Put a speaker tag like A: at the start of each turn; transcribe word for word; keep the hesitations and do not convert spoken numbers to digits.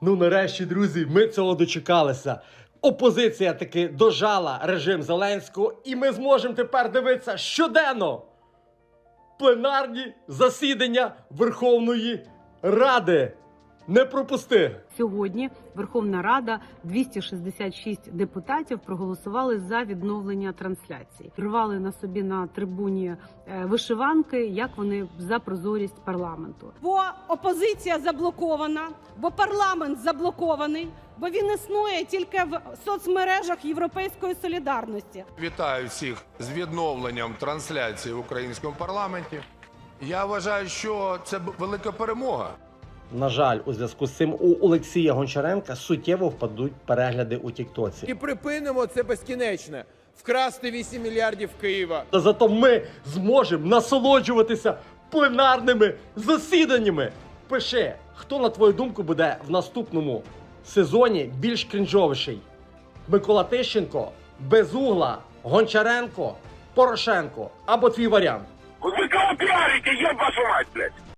A: Ну нарешті, друзі, ми цього дочекалися. Опозиція таки дожала режим Зеленського, і ми зможемо тепер дивитися щоденно пленарні засідання Верховної Ради. Не пропусти!
B: Сьогодні Верховна Рада, двісті шістдесят шість депутатів проголосували за відновлення трансляції. Рвали на собі на трибуні е, вишиванки, як вони за прозорість парламенту.
C: Бо опозиція заблокована, бо парламент заблокований, бо він існує тільки в соцмережах Європейської солідарності.
D: Вітаю всіх з відновленням трансляції в українському парламенті. Я вважаю, що це велика перемога.
A: На жаль, у зв'язку з цим у Олексія Гончаренка суттєво впадуть перегляди у Тіктоці.
E: І припинимо це безкінечне. Вкрасти вісім мільярдів Києва.
A: Та зато ми зможемо насолоджуватися пленарними засіданнями. Пиши, хто, на твою думку, буде в наступному сезоні більш крінжовіший? Микола Тищенко, Безугла, Гончаренко, Порошенко або твій варіант?
F: Вы кого пиарите, еб вашу мать, блядь?